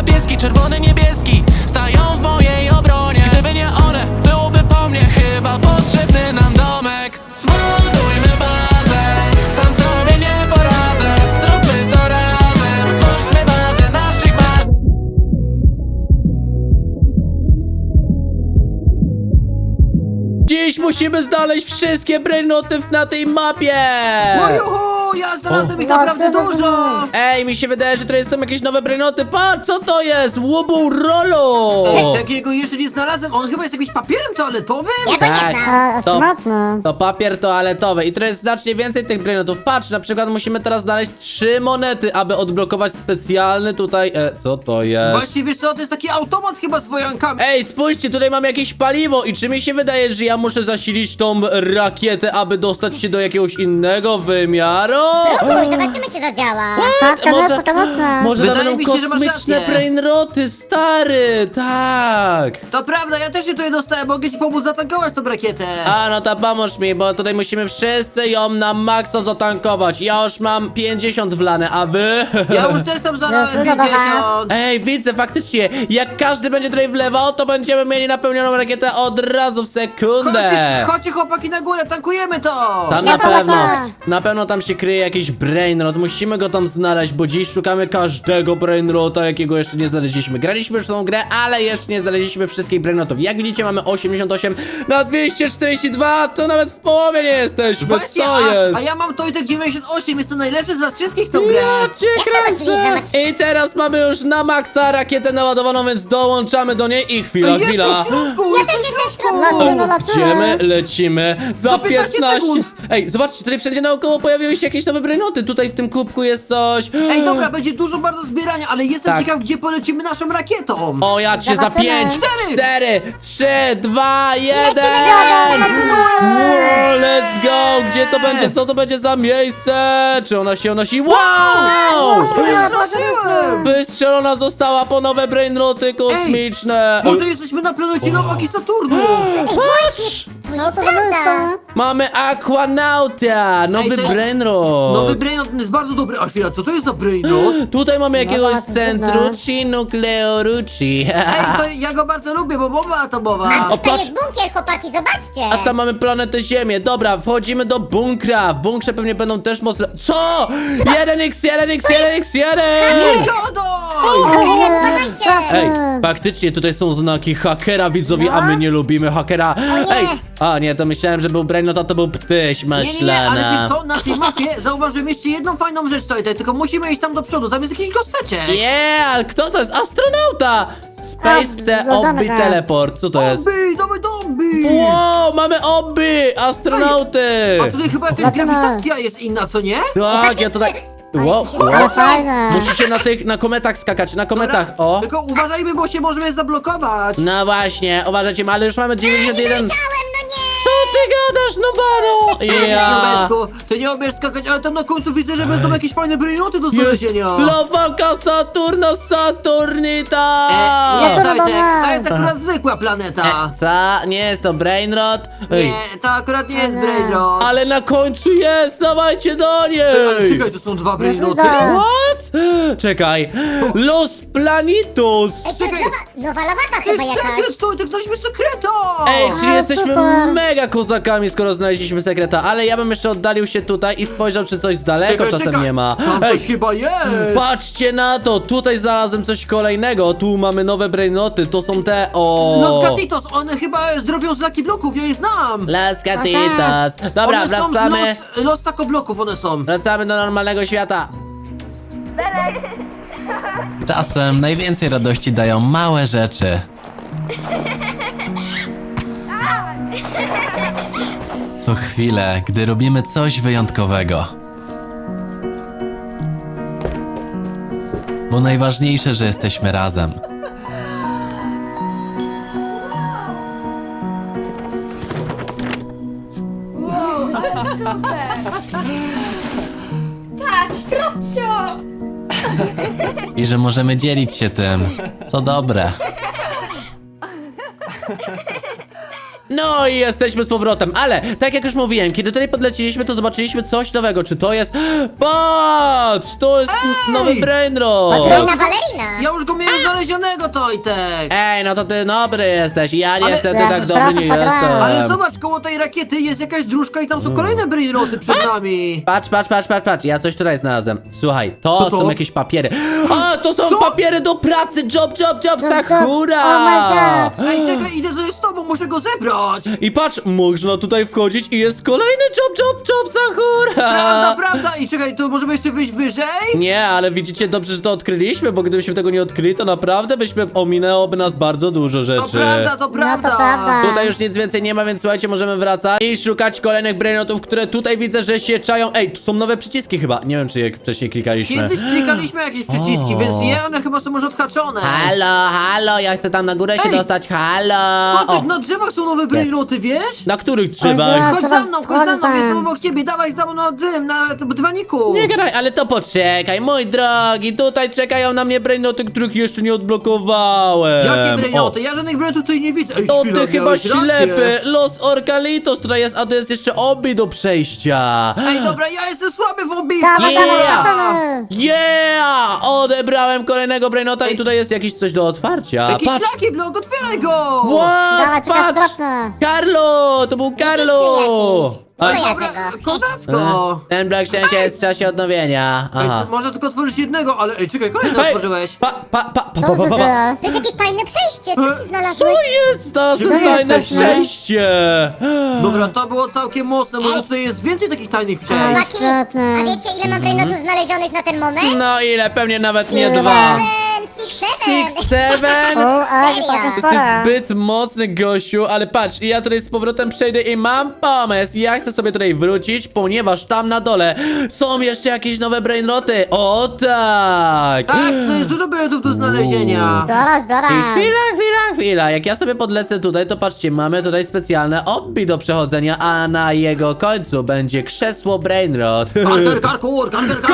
pieski, czerwony, niebieski stają w mojej obronie. Gdyby nie one, byłoby po mnie chyba potrzebny nam domek. Zbudujmy bazę, sam sobie nie poradzę. Zróbmy to razem, stwórzmy bazę naszych marzeń. Dziś musimy znaleźć wszystkie brainoty na tej mapie! No juhu, ja znalazłem ich naprawdę dużo! Ej, mi się wydaje, że tutaj są jakieś nowe brainoty. Patrz, co to jest? Łubu Rolo! Takiego jeszcze nie znalazłem, on chyba jest jakimś papierem toaletowym? Ja go nie znam. to, mocno. to papier toaletowy i to jest znacznie więcej tych brainotów. Patrz, na przykład musimy teraz znaleźć 3 monety, aby odblokować specjalny tutaj... co to jest? Właśnie, wiesz co, to jest taki automat chyba z wojankami. Ej, spójrzcie, tutaj mam jakieś paliwo i czy mi się wydaje, że ja muszę zasilić tą rakietę, aby dostać się do jakiegoś innego wymiaru? Próbuj, zobaczymy czy zadziała. Tak, koniecznie. Może tam Wydaje będą mi się, że masz kosmiczne rację. brainroty, stary, tak. To prawda, ja też się tutaj dostałem, mogę ci pomóc zatankować tą rakietę. A, no to pomóż mi, bo tutaj musimy wszyscy ją na maksa zatankować. Ja już mam 50 wlane, a wy? Ja już też tam zalałem No, no, no, 50. Ej, widzę, faktycznie, jak każdy będzie tutaj wlewał, to będziemy mieli napełnioną rakietę od razu w sekundę. Chodźcie chłopaki na górę, tankujemy to! Tam Ja na to pewno, lecę. na pewno tam się kryje jakiś brainrot, musimy go tam znaleźć, bo dziś szukamy każdego brainrota, jakiego jeszcze nie znaleźliśmy. Graliśmy już w tą grę, ale jeszcze nie znaleźliśmy wszystkich brainrotów. Jak widzicie, mamy 88 na 242, to nawet w połowie nie jesteśmy, Właśnie, co jest? a ja mam Tojtek 98, jest to najlepszy z was wszystkich w tą grę. Ja cię Jak to możliwe? kręcę! I teraz mamy już na maksa rakietę naładowaną, więc dołączamy do niej i chwila, Jest chwila. w środku, Ja też jestem w środku. Lecimy, lecimy za Za 15 15. sekund. Ej, zobaczcie, tutaj wszędzie naokoło pojawiły się jakieś nowe brainoty. Tutaj w tym kubku jest coś. Ej, dobra, będzie dużo bardzo zbierania, ale jestem Tak. ciekaw, gdzie polecimy naszą rakietą. O, ja cię za Zobaczymy. 5, 4, 3, 2, 1. Lecimy, Let's go! Gdzie to będzie? Co to będzie za miejsce? Czy ona się unosi? Wow! Wystrzelona została po nowe brainroty kosmiczne. Może jesteśmy na planecie Nowaki Saturnu. Patrz! Co to za miejsce? Mamy Aquanauta, nowy to jest brainrot. Nowy brainrot jest bardzo dobry. A chwila, co to jest za brainrot? Tutaj mamy jakiegoś zobaczmy, Centrucci Nucleorucci. Ej, to ja go bardzo lubię, bo bomba atomowa. Tutaj jest bunkier, chłopaki, zobaczcie. A tam mamy planetę Ziemię. Dobra, wchodzimy do bunkra. W bunkrze pewnie będą też mocne... Co? 1x1x1x1! Gadaj! Uważajcie. Ej, faktycznie tutaj są znaki hakera, widzowie, a my nie lubimy hakera. nie. Ej, a nie, to myślałem, że był brainrot, a to był ptyś Nie, ale maślana. wiesz co, na tej mapie zauważyłem jeszcze jedną fajną rzecz, Tojtek, tylko musimy iść tam do przodu, tam jest jakiś gosteczek. Ale kto to jest? Astronauta! Space the zgadzamy Obby się. Teleport, co to jest? Obby, dawaj do obby! Wow, mamy Obby! Astronauty! A tutaj chyba jakaś Lecimy. grawitacja jest inna, co nie? Tak, ja tutaj... Wow, się wow. Ale fajne. Musicie na kometach skakać, na kometach, o! Tylko uważajmy, bo się możemy zablokować. No właśnie, uważajcie, ale już mamy 91... Leciałem, no nie. Co ty gadasz, no bano? Ja... Nubeczku, ty nie umiesz skakać, ale tam na końcu widzę, że będą jakieś fajne brainoty do Jest znalezienia. Lawaka Saturno Saturnita! Nie, co to Tojtek, nie? to jest akurat zwykła planeta. Co? Nie jest to Brainrot? Ej, Nie, to akurat nie jest brainrot. ale na końcu jest, dawajcie do niej! Ale czekaj, to są dwa brainoty. widać. What? Czekaj. Los Planitus! Ej, to jest nowa lawaka To chyba jest jakaś. sekret, Tojtek, znaleźliśmy sekreta! Ej, czyli A, jesteśmy super. mega kozakami, skoro znaleźliśmy sekreta, ale ja bym jeszcze oddalił się tutaj i spojrzał, czy coś z daleko czasem nie ma. Tam Ej, coś chyba jest! patrzcie na to, tutaj znalazłem coś kolejnego, tu mamy nowe brainoty, to są te, Los Gatitos, one chyba zrobią znaki bloków, ja je znam! Las Gatitas. Dobra, one są wracamy. z los tako bloków one są. Wracamy do normalnego świata. Czasem najwięcej radości dają małe rzeczy. To chwile, gdy robimy coś wyjątkowego. Bo najważniejsze, że jesteśmy razem. Patrz, Robcio! I że możemy dzielić się tym, co dobre. No i jesteśmy z powrotem, ale tak jak już mówiłem, kiedy tutaj podleciliśmy, to zobaczyliśmy coś nowego. Czy to jest... Patrz! To jest nowy brainrot! Fajna balerina. Ja już go miałem znaleźć znalezionego, Tojtek! Ej, no to ty dobry jesteś, ja Ale- niestety Ja tak to dobry nie trochę jestem. Ale zobacz, koło tej rakiety jest jakaś dróżka i tam są kolejne brainroty przed nami. Patrz, ja coś tutaj znalazłem. Słuchaj, to Co to? są jakieś papiery. A, to są Co? papiery do pracy, job, job. Sakura! Oh my god. Ej, czekaj, idę tutaj z tobą, muszę go zebrać! I patrz, można tutaj wchodzić i jest kolejny job, Sakura! Prawda, i czekaj, to możemy jeszcze wyjść wyżej? Nie, ale widzicie dobrze, że to odkryliśmy, bo gdybyśmy tego nie odkryli, to naprawdę ominęłoby nas bardzo dużo To rzeczy. prawda, to prawda! No to prawda. Tutaj już nic więcej nie ma, więc słuchajcie, możemy wracać i szukać kolejnych brainotów, które tutaj widzę, że się czają. Ej, tu są nowe przyciski chyba. Nie wiem, czy jak wcześniej klikaliśmy. Kiedyś klikaliśmy jakieś przyciski, O. więc one chyba są już odhaczone. Halo, ja chcę tam na górę się Ej! dostać, halo! Tojtek, na drzewach są nowe brainroty, wiesz? Na których ja- drzewach? Chodź Trzeba za mną, wchodzić jestem tam. obok ciebie, dawaj za mną na tym, na dywaniku. Nie gadaj, ale to poczekaj, mój drogi, tutaj czekają na mnie brainoty, których jeszcze nie odblokowałem. Jakie brainoty? Ja żadnych brainrotów tutaj nie widzę. Ej, To chwila, ty chyba miałeś rację. ślepy! Los Orkalitos tutaj jest, a to jest jeszcze obi do przejścia! Ej, dobra, ja jestem słaby w obiegu. Dawaj, Yeah. dawaj, wracamy. Yeah! Odebrałem kolejnego brainota i Ej. tutaj jest jakieś coś do otwarcia. Jakiś Patrz! Lucky Block, otwieraj go! Dawaj, What? czekaj, Patrz! zwrotne. Carlo! To był Carlo! jakiś. Ale- Kojarzę Dobra, go. kozacko. Ten Black szczęście jest w czasie odnowienia. Ej, Aha. to można tylko otworzyć jednego, ale ej, czekaj, kolejny Hej, otworzyłeś. Co to za To jest jakieś tajne przejście, co ty Co znalazłeś? jest? To Gdzie wy fajne jesteście? przejście! Dobra, to było całkiem mocne, może tutaj jest więcej takich tajnych przejść. Chłopaki, Świetne. a wiecie ile mam brainotów znalezionych na ten moment? No ile? Pewnie nawet nie Ile? dwa. 7, 6, 7. 7? O, ale to taka Serio? Jesteś spora. zbyt mocny, gościu, ale patrz, ja tutaj z powrotem przejdę i mam pomysł. Ja chcę sobie tutaj wrócić, ponieważ tam na dole są jeszcze jakieś nowe brainroty. O tak! Tak, to jest dużo brainrotów do znalezienia. Zbiorę, zbiorę. I chwila. Jak ja sobie podlecę tutaj, to patrzcie, mamy tutaj specjalne obbi do przechodzenia, a na jego końcu będzie krzesło brainrot. Karkur.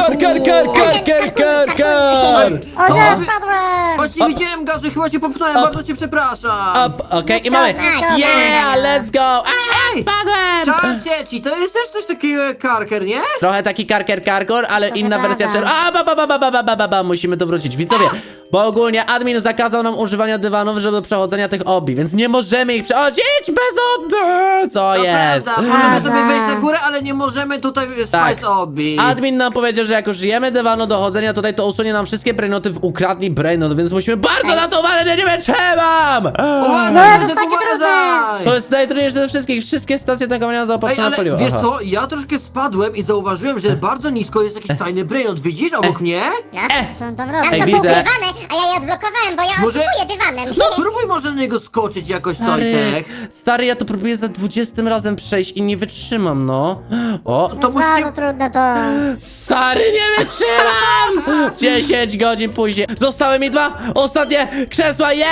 Kar. O nie, spadłem. Właśnie widziałem gazu, chyba cię popchnąłem, bardzo cię przepraszam. Okej, i mamy. Nice. Yeah, let's go! A, Ej! spadłem! Czar cieci, to jest też coś takiego jak karker, nie? Trochę taki karkor, ale inna prawda. wersja musimy tu wrócić. Widzowie, bo ogólnie admin zakazał nam używania dywanów, żeby do przechodzenia tych obi, więc nie możemy ich przechodzić bez obi! Co To jest? prawda, możemy sobie Prawda. wejść na górę, ale nie możemy tutaj Tak. spać obi. Admin nam powiedział, że jak użyjemy dywanu do chodzenia tutaj, to usunie nam wszystkie brainoty w ukradli brainot, więc musimy bardzo na to uważać, nie wiem, trzymam! Uważaj, No, to Tojtek, takie uważaj! To jest najtrudniejsze ze wszystkich, wszystkie stacje tankowania Ej, zaopatrzone ale paliwo. wiesz Aha. co, ja troszkę spadłem i zauważyłem, że bardzo nisko jest jakiś tajny brainot. Widzisz obok mnie? Co on tam Tam robi? Ej, są widzę. poukrywane, a ja je odblokowałem, bo ja Może- oszukuję dywanem. Spróbuj może na niego skoczyć jakoś, Stary, Tojtek. stary, ja to próbuję za 20 razem przejść i nie wytrzymam, no. O, To To musicie... bardzo trudne to. stary, nie wytrzymam! 10 godzin później. Zostały mi 2 ostatnie krzesła, jest!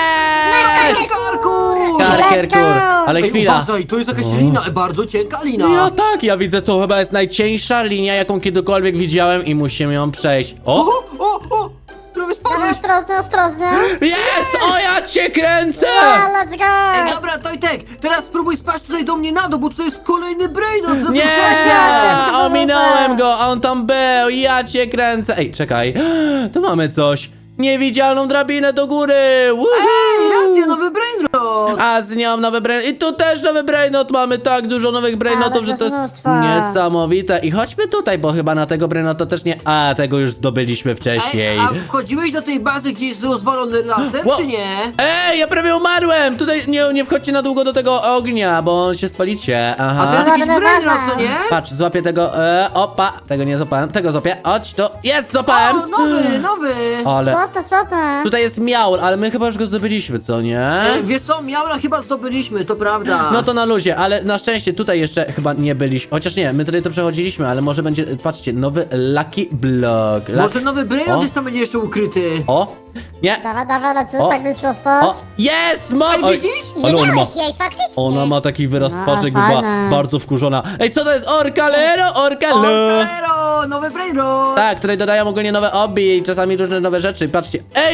Karkur! Karker, Let's go! kur. Ale Ej, chwila. uważaj, to jest jakaś lina, bardzo cienka lina. Ja tak, ja widzę, to chyba jest najcieńsza linia, jaką kiedykolwiek widziałem i musimy ją przejść. O! O! Prawie Dawaj, spadłeś! ostrożnie. Jest! O, ja cię kręcę! A, let's Ej, go. dobra, Tojtek, teraz spróbuj spaść tutaj do mnie na dół, bo tutaj jest kolejny brainot za tym Nie! przejściem. Ominąłem go, a on tam był, ja cię kręcę. Ej, czekaj, tu mamy coś. Niewidzialną drabinę do góry! Woohoo! Ej, racja, nowy brainrot! A z nią nowy brainot. I tu też nowy brainot. Mamy tak dużo nowych brainotów, Ale że to jest mnóstwo. niesamowite. I chodźmy tutaj, bo chyba na tego brainota też nie... A, tego już zdobyliśmy wcześniej. Ej, a wchodziłeś do tej bazy, gdzie jest rozwalony laser, Ło- czy nie? Ej, ja prawie umarłem! Tutaj nie wchodźcie na długo do tego ognia, bo się spalicie. A to Aha. jest jakiś Dobra, brainrot, baza. co nie? Patrz, złapię tego... opa, tego nie złapałem, tego złapię. Chodź, to jest, złapałem! O, nowy! Ale... Słodne. Tutaj jest miaur, ale my chyba już go zdobyliśmy, co nie? Wiesz co, Miaura chyba zdobyliśmy, to prawda. No to na luzie, ale na szczęście tutaj jeszcze chyba nie byliśmy. Chociaż nie, my tutaj to przechodziliśmy, ale może będzie, patrzcie, nowy Lucky Block. Może nowy brainrot O. gdzieś tam będzie jeszcze ukryty. O! Nie! Dawaj, lecisz, O. tak blisko O! stać. Jest! Ma... Ej, Oj, widzisz? Nie ale ona ma, miałeś jej, faktycznie. ona ma taki wyraz No, twarzy, jakby była fajne. bardzo wkurzona. Ej, co to jest? Orkalero! O, Orkalo! Calero, nowy brainrot! Tak, tutaj dodają ogólnie nowe obi i czasami różne nowe rzeczy. Patrzcie. Ej!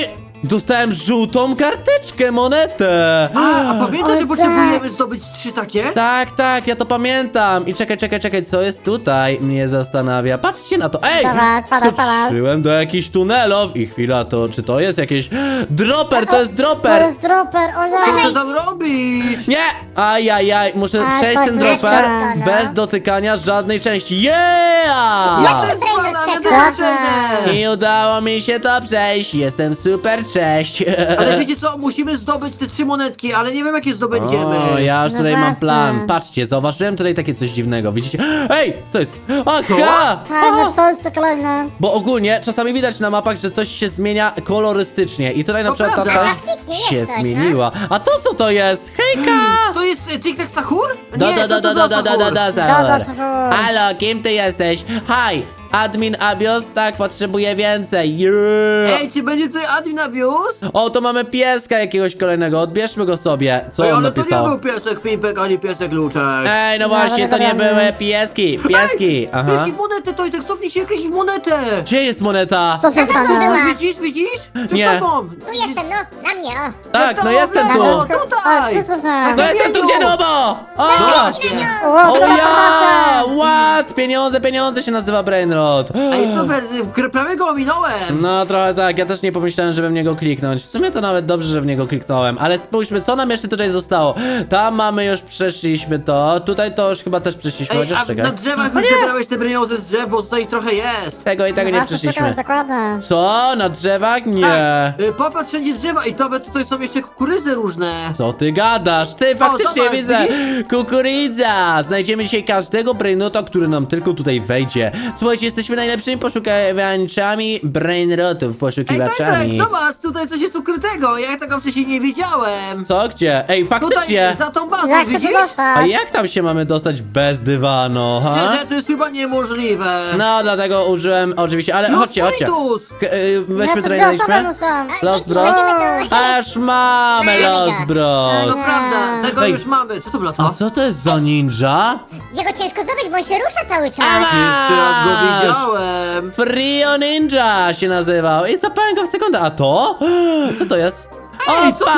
Dostałem żółtą karteczkę, monetę. A pamiętasz, że O, potrzebujemy zdobyć 3 takie? Tak, ja to pamiętam. I czekaj, co jest tutaj? Mnie zastanawia. Patrzcie na to. Ej! Dawaj, padaj. Skoczyłem do jakichś tunelów i chwila, to czy to jest jakieś... Dropper, to jest To dropper! jest dropper, Co ty ojej! tam robisz? Nie! Ajajaj, muszę A, przejść tak ten blisko, dropper no. bez dotykania żadnej części. Yeah! Ja też spadam, ja też czekaj. przejdę. I udało mi się to przejść. Jestem super, cześć. Ale wiecie co, musimy zdobyć te 3 monetki, ale nie wiem jakie zdobędziemy. O, ja już No tutaj mam właśnie. plan. Patrzcie, zauważyłem tutaj takie coś dziwnego. Widzicie? Ej, co jest? Aha! Fajne, co jest to kolejne? Bo ogólnie czasami widać na mapach, że coś się zmienia kolorystycznie. I tutaj na To przykład ta prawda. część Faktycznie jest się coś, no. zmieniła. A to co to jest? Hejka! To jest Tic-Tac Sahur? Do, Nie, do, to do, Sahur. Sahur. Halo, kim ty jesteś? Hi! Admin Abios, tak, potrzebuję więcej. Yeah. Ej, czy będzie tutaj admin abuse? O, to mamy pieska jakiegoś kolejnego, odbierzmy go sobie. Co Ej, on ale to nie napisał? był piesek Pimpek, ani piesek Luczek. Ej, no No, właśnie, to nie dobra. były pieski. Pieski, aha. Kliknij w monetę, Tojtek, cofnij się, kliknij w monetę. Gdzie jest moneta? Co się była. stanie? Widzisz? Przed Nie. tobą. Tu jestem, no, na mnie, o. Tak, no tobą, jestem w tu. lewo, O, tutaj. przecofnę. No jestem tu, gdzie Nubo? O! Właśnie. O O, to ja! What? Pieniądze się nazywa Brainrot. Ej, super, prawie go ominąłem. No trochę tak, ja też nie pomyślałem, żeby w niego kliknąć. W sumie to nawet dobrze, że w niego kliknąłem. Ale spójrzmy, co nam jeszcze tutaj zostało. Tam mamy już, przeszliśmy to. Tutaj to już chyba też przeszliśmy, Ej, chociaż a czekaj. na drzewach już zebrałeś te bryniozy z drzew, bo tutaj ich trochę jest. Tego i tego nie Właśnie przeszliśmy. czekaj, dokładnie. Co? Na drzewach? Nie. Popatrz wszędzie drzewa i nawet tutaj są jeszcze kukurydze różne. Co ty gadasz? Ty, faktycznie zobacz, widzę! widzisz? Kukurydza! Znajdziemy dzisiaj każdego brainrota, który nam tylko tutaj wejdzie. Słuchajcie, jesteśmy najlepszymi poszukiwaczami brainrotów, Ej, poszukiwaczami. Tojtek, zobacz, tutaj coś jest ukrytego, ja tego wcześniej nie wiedziałem. Co? Gdzie? Ej, faktycznie! Tutaj, za tą bazą, Jak chcę widzisz? to A dostać? jak tam się mamy dostać bez dywanu, ha? Szczerze, to jest chyba niemożliwe. No, dlatego użyłem oczywiście, ale No, chodźcie. Spiritus! Weźmy Nie, to tutaj dwie osoby znaleźliśmy. muszą. Los Dzięki, Bros. weźmiemy to. Aż mamy Los No Bros. Nie. prawda, tego Ej. już mamy. Co to było A to? co to jest za ninja? Jego ciężko zdobyć, bo on się rusza cały czas. Pierwszy raz go Masz! widziałem. Frio Ninja się nazywał i zapałem go w sekundę. A to? Co to jest? Ej, co to?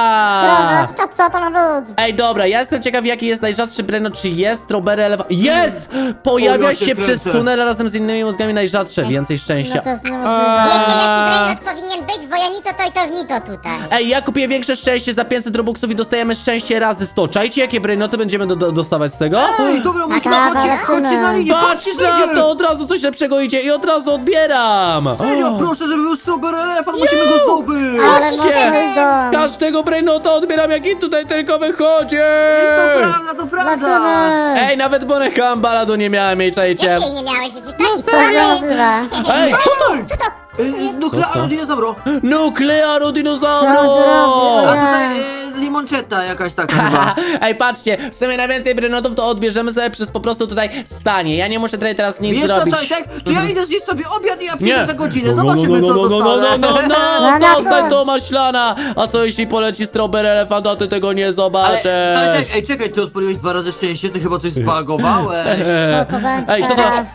Dobra, tylko co to ma być? Ej, dobra, ja jestem ciekaw, jaki jest najrzadszy brainrot. Czy jest strawberry elephant? Jest! Pojawia O, ja cię się przez kręcę. tunel razem z innymi mózgami najrzadsze. Więcej No szczęścia. to jest niemożliwe. Wiecie, jaki brainrot powinien być? Wojanito, tojtownito tutaj. Ej, ja kupię większe szczęście za 500 robuxów i dostajemy szczęście razy 100. Czajcie, jakie brainoty będziemy dostawać z tego? Ej, dobra, musimy, Taka, chodźcie na linię, Patrz patrzcie, na ludzie. to, od razu coś lepszego idzie i od razu odbieram! Serio, proszę, żeby był strawberry elefant, musimy go zdobyć. Ale Patrzcie! mocno idą. Każdego brainota odbieram, jaki tutaj tylko wychodzi! To prawda, to prawda. Lecimy. Ej, nawet boneka baladu nie miałem jej, czajcie! Jak jej nie miałeś? Jesteś taki To jest słaby. niemożliwe. Ej, co to? Co to? Nuklearno dinozauro. Nuklearu Co dinozauru! on tu robi? A tutaj limonczetta jakaś taka chyba. Ej, patrzcie, w sumie najwięcej brainotów to odbierzemy sobie przez po prostu tutaj stanie. Ja nie muszę tutaj teraz nic Wiesz co, zrobić. Tojtek? To ja idę zjeść sobie obiad i ja przyjdę Nie! za godzinę. Zobaczymy, co dostanę. No, Zostań no. to maślana! A co jeśli poleci strawberry elefant, a ty tego nie Ale, zobaczysz? Tojtek, ej, czekaj, ty odpaliłeś 2 razy szczęście, ty chyba coś spagowałeś. Co to będzie Ej, co to? teraz?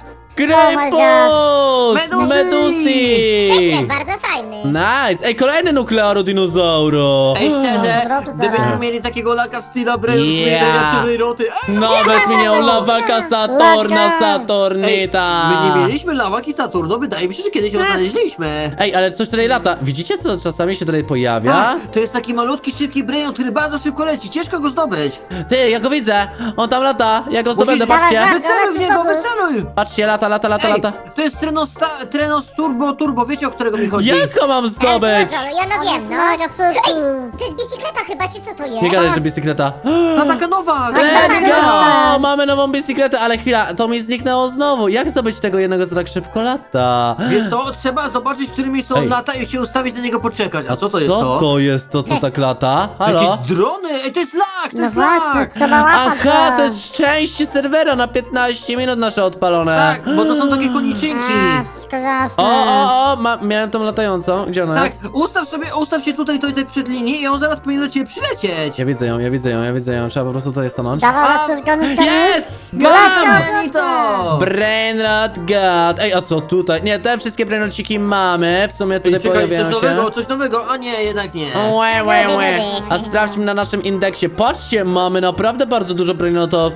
Grejpus! Meduzy! Medusi! Sekret, bardzo fajny. Nice! Ej, kolejny nuklearu dinozauru! Ej, szczerze, Drogi gdybyśmy teraz. mieli takiego laka w stylu Braille, Yeah. najlepsze roty. Nawet mi nie lawaka Saturna, Laka. Saturnita! My nie mieliśmy lawaki Saturno, wydaje mi się, że kiedyś ją znaleźliśmy. Ej, ale coś tutaj lata. Widzicie, co czasami się tutaj pojawia? Tak, to jest taki malutki, szybki Braille, który bardzo szybko leci, ciężko go zdobyć. Ty, ja go widzę! On tam lata! Ja go zdobędę, Musisz- patrzcie! Dawaj, Wyceluj w niego, co ty? wyceluj! Patrzcie, lata. Ej, to jest Trenos Turbo, wiecie, o którego mi chodzi? Jak go mam zdobyć? Ja no wiem, no. Mega szybki. To jest bicykleta chyba, czy co to jest? Nie gadaj, że bicykleta. No taka nowa! Let's tak. go! Mamy nową bicykletę, ale chwila, to mi zniknęło znowu. Jak zdobyć tego jednego, co tak szybko lata? Wiesz co, trzeba zobaczyć, w którymi są Ej. lata i się ustawić na niego poczekać. A co to jest Co to? to jest to, co tak lata? Halo? Jakieś drony! Ej, to jest lak! To No jest właśnie, lak! trzeba łapać Aha, go. to jest szczęście serwera na 15 minut nasze odpalone. Tak, bo to są takie koniczynki. A, wszystko jasne. O, miałem tą latającą. ją? Gdzie ona Tak, jest? ustaw się tutaj przed linii i on zaraz powinien do ciebie przylecieć. Ja widzę ją, ja widzę ją, ja widzę ją. Trzeba po prostu tutaj stanąć. Dawaj, chcesz gonić, gonić? Yes! Goni to! Brainrot God. Ej, a co tutaj? Nie, te wszystkie brainrociki mamy. W sumie tutaj Czekaj, pojawiają się. coś nowego, a nie, jednak nie. Łe. A sprawdźmy na naszym indeksie. Patrzcie, mamy naprawdę bardzo dużo brainrotów.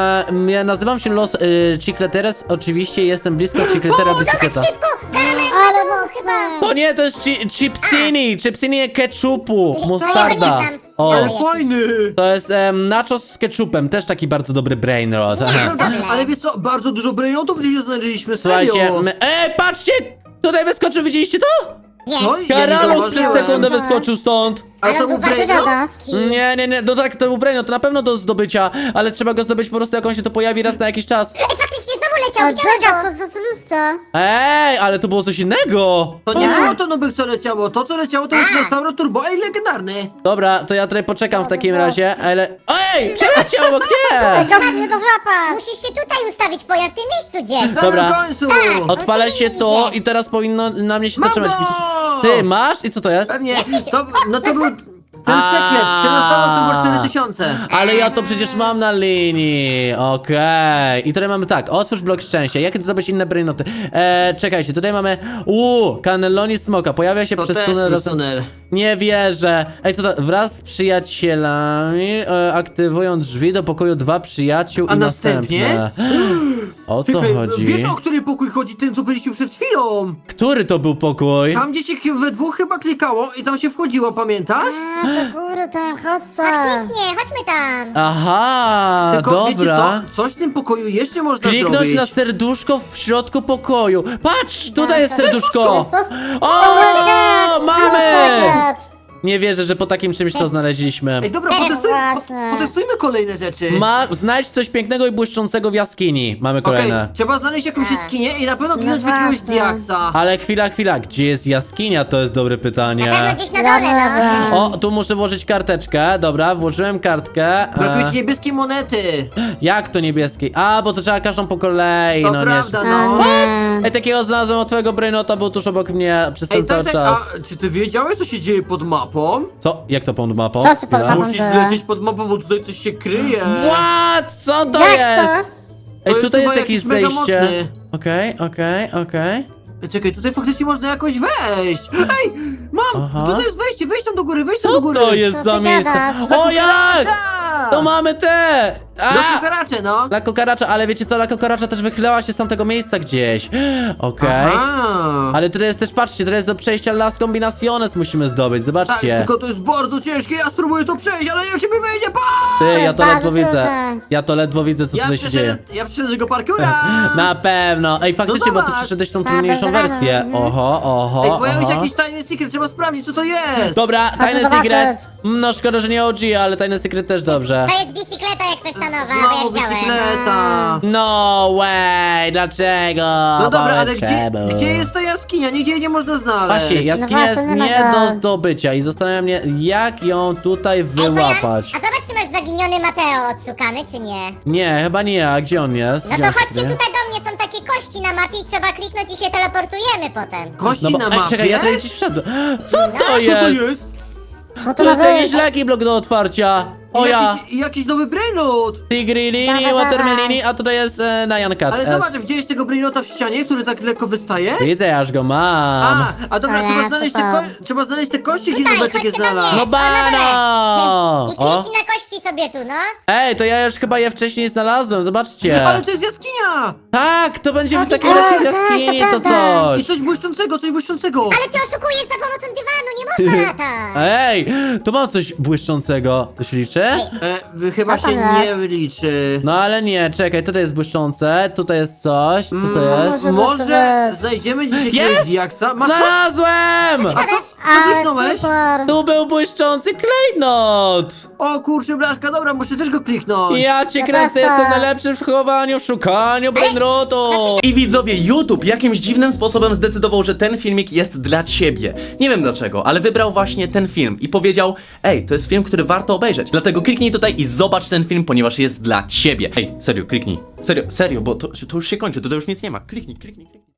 Ja nazywam się Los Chicleteres. Oczywiście jestem blisko Chicletera Bicykleta. Szybko! Karamelka Ale tu mocne. chyba! To nie, to jest chipsini. Chipsini ketchupu. Mustarda. nie znam. O, Ale jakiś. fajny! to jest nachos z ketchupem. Też taki bardzo dobry brainrot. Prawda? Ale wiesz co, bardzo dużo brainotów gdzieś znaleźliśmy, Słuchajcie, serio! patrzcie! Tutaj wyskoczył, widzieliście to? Nie. Co? Ja nie Karaluk przez zauważyłem. sekundę wyskoczył stąd. Ale Ale to on był był bardzo brainot? rzadki. Nie, no tak, to był brainrot, to na pewno do zdobycia, ale trzeba go zdobyć po prostu, jak on się to pojawi raz na jakiś czas. Ej, faktycznie znowu leciał, O, widziałem Biega, go! co za celista. Ej, ale to było coś innego. To nie było to nowych, co leciało. To, co leciało, to jest Restauro Turbo. Ej, legendarny! Dobra, to ja tutaj poczekam w takim razie, ale... Ej, przeleciał obok mnie! Gość nie to złapać. Musisz się tutaj ustawić, pojazd w tym miejscu gdzieś. W Dobra. samym końcu! Odpalę się to i teraz powinno na mnie się Mam zatrzymać. go! Ty, masz? I co to jest? Pewnie, no to był ten sekret, ten Restauro Turbo 4000. Ale ja to przecież mam na linii. Okej. I tutaj mamy tak, otwórz blok szczęścia. Jak zdobyć inne brainoty? Czekajcie, tutaj mamy... Cannelloni Smoka. Pojawia się To przez też tunel. jest tunel. Nie wierzę. Ej, co to? Wraz z przyjacielami aktywują drzwi do pokoju 2 przyjaciół A i następnie? następne. O co Czekaj, chodzi? wiesz, o który pokój chodzi? Ten, co byliśmy przed chwilą. Który to był pokój? Tam, gdzie się we dwóch chyba klikało i tam się wchodziło, pamiętasz? A, do góry tam, chodźcie. Faktycznie, chodźmy tam. Aha, Tylko wiecie dobra. co? Coś w tym pokoju jeszcze można Kliknąć zrobić. na serduszko w środku pokoju. Patrz, tutaj jest serduszko. Serduszko? O, mamy! Sekret. Nie wierzę, że po takim czymś to znaleźliśmy. Ej, dobra, Właśnie. potestujmy kolejne rzeczy. Znajdź coś pięknego i błyszczącego w jaskini. Mamy Okej, kolejne. trzeba znaleźć jakąś jaskinię i na pewno kliknąć w jakiegoś właśnie. diaksa. Ale chwila, gdzie jest jaskinia? To jest dobre Na pewno pytanie. gdzieś na dole, no. O, tu muszę włożyć karteczkę. Dobra, włożyłem kartkę. Brakuje ci niebieskiej monety. Jak to niebieskiej? A, bo to trzeba każdą po kolei. To No prawda, nie. A, no. nie. Ej, takiego znalazłem od twojego brainota, był tuż obok mnie przez ten Ej, cały tak, czas. a czy ty wiedziałeś, co się dzieje pod mapą? Co? Jak to pod mapą? Co się pod Chwila. mapą? Musisz lecieć pod mapą, bo tutaj coś się kryje. What? Co to Jak jest? to? Ej, jest tutaj jest chyba jakieś jakiś mega zejście. mocny. Okej. Ej, czekaj, tutaj faktycznie można jakoś wejść. Ej, mam! Aha. Tutaj jest wejście, wejdź tam do góry, wejdź tam Co do góry. to jest Co za ty miejsce? gadasz? O jak! Tak! To mamy te! Do karacze, no. La kokaracza, ale wiecie co? La kokaracza też wychylała się z tamtego miejsca gdzieś. Okej. Aha. Ale tutaj jest też, patrzcie, tutaj jest do przejścia Las Combinaciones musimy zdobyć, Tak, zobaczcie. tylko to jest bardzo ciężkie, ja spróbuję to przejść, ale nie wiem, czy mi wyjdzie, Ty, ja jest to ledwo bardzo widzę. trudne. Ja to ledwo widzę, co tutaj się dzieje. Ja przyszedłem do tego parkura! Na pewno. Ej, faktycznie, bo ty zobacz. przeszedłeś tą Tak, trudniejszą bez wersję. rady. Oho. Ej, pojawił się jakiś tajny secret, trzeba sprawdzić, co to jest! Dobra, tajny zobaczyć. secret. No szkoda, że nie OG, ale tajny secret też dobrze. To jest bicykleta jak coś ta nowa, bo ja Znowu widziałem. bicykleta! No way, dlaczego? No dobra, ale Powiedz czemu. gdzie jest ta jaskinia? Nigdzie jej nie można znaleźć. Właśnie, jaskinia No jest właśnie, nie nie ma go. do zdobycia i zastanawia mnie, jak ją tutaj Ej, wyłapać. A zobacz, czy masz zaginiony Mateo odszukany, czy nie? Nie, chyba nie, a gdzie on jest? No Gdzie to on się chodźcie kryje? tutaj do mnie, są takie kości na mapie i trzeba kliknąć i się teleportujemy potem. Kości No bo, na ej, mapie? czekaj, ja tutaj gdzieś wszedłem. Co to Co to jest? jest? Co To to ma jest jakiś być? leki blok do otwarcia. O ja, Jakiś nowy brainot! Tigrilini, Dawaj, Watermelini, a tutaj jest Nyan Cat. Ale zobacz, widziałeś tego brainota w ścianie, który tak lekko wystaje? Widzę, aż go mam. A dobra, Ale trzeba znaleźć te kości, gdzie Tutaj, Nubeczek je chodźcie do mnie. znalazł. No bano! I O, kliknij na kości sobie tu, no. ej, to ja już chyba je wcześniej znalazłem, zobaczcie. Ale to jest jaskinia! Tak, to będzie w O, takiej widziałem, jaskini, tak, to to prawda. I coś. coś błyszczącego, coś błyszczącego! Ale ty oszukujesz za pomocą dywanu, nie można latać. Ej, tu mam coś błyszczącego. To się liczy? Chyba Co się tam nie liczy. No ale nie, czekaj, tutaj jest błyszczące, tutaj jest coś, co to jest? Może Może być. znajdziemy gdzieś jakiegoś Jest! diaksa? Masz Znalazłem! A co Ale kliknąłeś? super. Tu był błyszczący klejnot! O kurczę, blaszka, dobra, muszę też go kliknąć. Ja cię Ja kręcę, też jestem tak. najlepszy w chowaniu, szukaniu brainrotu! I widzowie, YouTube jakimś dziwnym sposobem zdecydował, że ten filmik jest dla ciebie. Nie wiem dlaczego, ale wybrał właśnie ten film i powiedział: ej, to jest film, który warto obejrzeć. Dlatego kliknij tutaj i zobacz ten film, ponieważ jest dla ciebie. Ej, serio, kliknij. Serio, bo to już się kończy, to już nic nie ma. Kliknij.